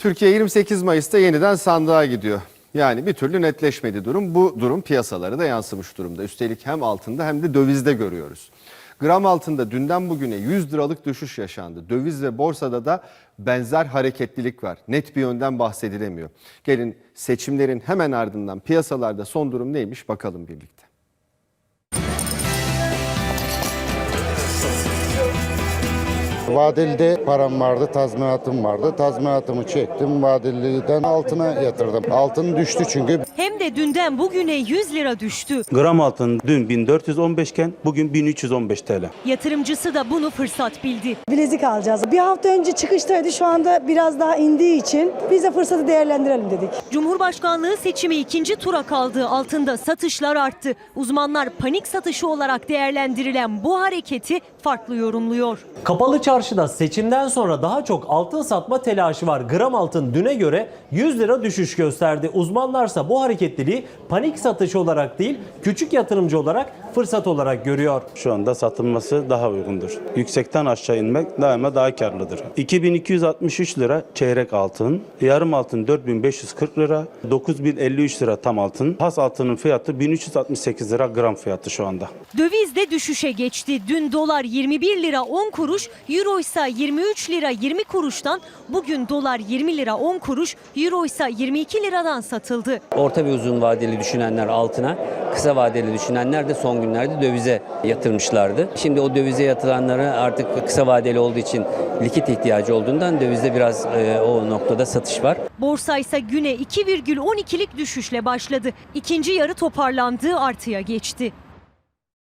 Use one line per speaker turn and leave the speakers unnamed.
Türkiye 28 Mayıs'ta yeniden sandığa gidiyor. Yani bir türlü netleşmedi durum. Bu durum piyasalara da yansımış durumda. Üstelik hem altında hem de dövizde görüyoruz. Gram altında dünden bugüne 100 liralık düşüş yaşandı. Döviz ve borsada da benzer hareketlilik var. Net bir yönden bahsedilemiyor. Gelin seçimlerin hemen ardından piyasalarda son durum neymiş bakalım birlikte.
Vadelide param vardı, tazminatım vardı. Tazminatımı çektim, vadeliden altına yatırdım. Altın düştü çünkü.
Hem de dünden bugüne 100 lira düştü.
Gram altın dün 1415 iken bugün 1315 TL.
Yatırımcısı da bunu fırsat bildi.
Bilezik alacağız. Bir hafta önce çıkıştaydı, şu anda biraz daha indiği için biz de fırsatı değerlendirelim dedik.
Cumhurbaşkanlığı seçimi ikinci tura kaldığı altında satışlar arttı. Uzmanlar panik satışı olarak değerlendirilen bu hareketi farklı yorumluyor.
Kapalı çarşıda seçimden sonra daha çok altın satma telaşı var. Gram altın düne göre 100 lira düşüş gösterdi. Uzmanlarsa bu hareketliliği panik satış olarak değil, küçük yatırımcı olarak fırsat olarak görüyor.
Şu anda satılması daha uygundur. Yüksekten aşağı inmek daima daha karlıdır. 2263 lira çeyrek altın, yarım altın 4540 lira, 9053 lira tam altın. Has altının fiyatı 1368 lira gram fiyatı şu anda.
Döviz de düşüşe geçti. Dün dolar 21 lira 10 kuruş, euro ise 23 lira 20 kuruştan, bugün dolar 20 lira 10 kuruş, euro ise 22 liradan satıldı.
Orta ve uzun vadeli düşünenler altına, kısa vadeli düşünenler de son günlerde dövize yatırmışlardı. Şimdi o dövize yatıranları artık kısa vadeli olduğu için likit ihtiyacı olduğundan dövizde biraz o noktada satış var.
Borsa ise güne 2,12'lik düşüşle başladı. İkinci yarı toparlandığı artıya geçti.